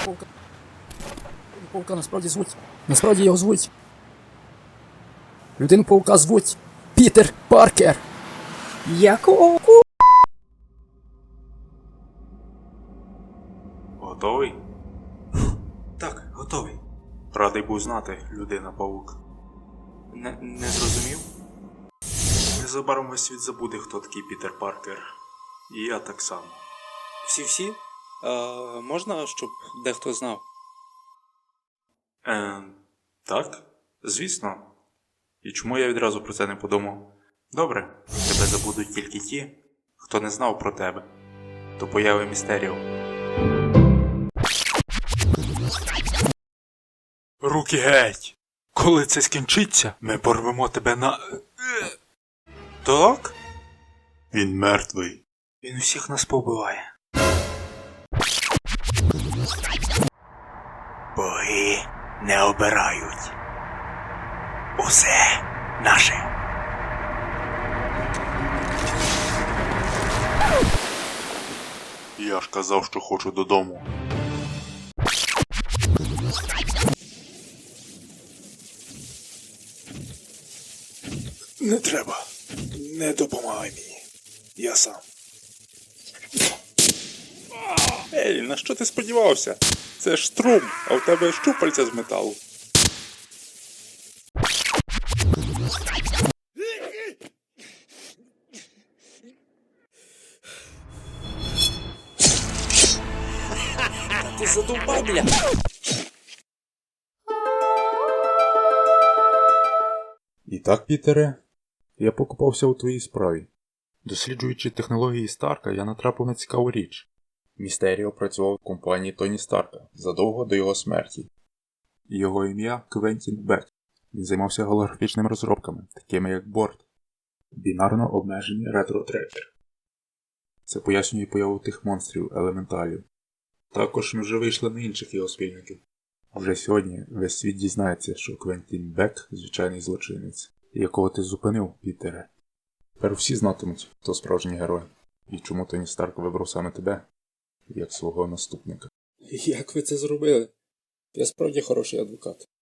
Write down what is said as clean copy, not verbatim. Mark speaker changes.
Speaker 1: Паука насправді звуть. Насправді його звуть. Людину Паука звуть Пітер Паркер. Якого?
Speaker 2: Готовий? Так, готовий. Радий був знати, людина-павук. Не зрозумів? Незабаром весь світ забуде, хто такий Пітер Паркер. І я так само.
Speaker 3: Всі-всі? Можна, щоб дехто знав?
Speaker 2: Так, звісно. І чому я відразу про це не подумав? Добре, тебе забудуть тільки ті, хто не знав про тебе. До появи Містеріо. Руки геть! Коли це скінчиться, ми порвемо тебе на... Так? Він мертвий. Він усіх нас побиває. Боги не обирають. Усе наше. Я ж казав, що хочу додому.
Speaker 4: Не треба. Не допомагай мені. Я сам.
Speaker 3: Ей, на що ти сподівався? Це ж струм, а в тебе щупальця з металу.
Speaker 1: Ти задовбав, бля.
Speaker 2: І так, Пітере, я покупався у твоїй справі. Досліджуючи технології Старка, я натрапив на цікаву річ. Містеріо працював в компанії Тоні Старка задовго до його смерті. Його ім'я Квентін Бек. Він займався голографічними розробками, такими як борт. Бінарно обмежені ретро-трекер. Це пояснює появу тих монстрів, елементалів. Також ми вже вийшли на інших його спільників. Вже сьогодні весь світ дізнається, що Квентін Бек – звичайний злочинець, якого ти зупинив, Пітере. Тепер всі знатимуть, хто справжній герой, і чому Тоні Старк вибрав саме тебе, як свого наступника.
Speaker 1: Як ви це зробили? Я справді хороший адвокат.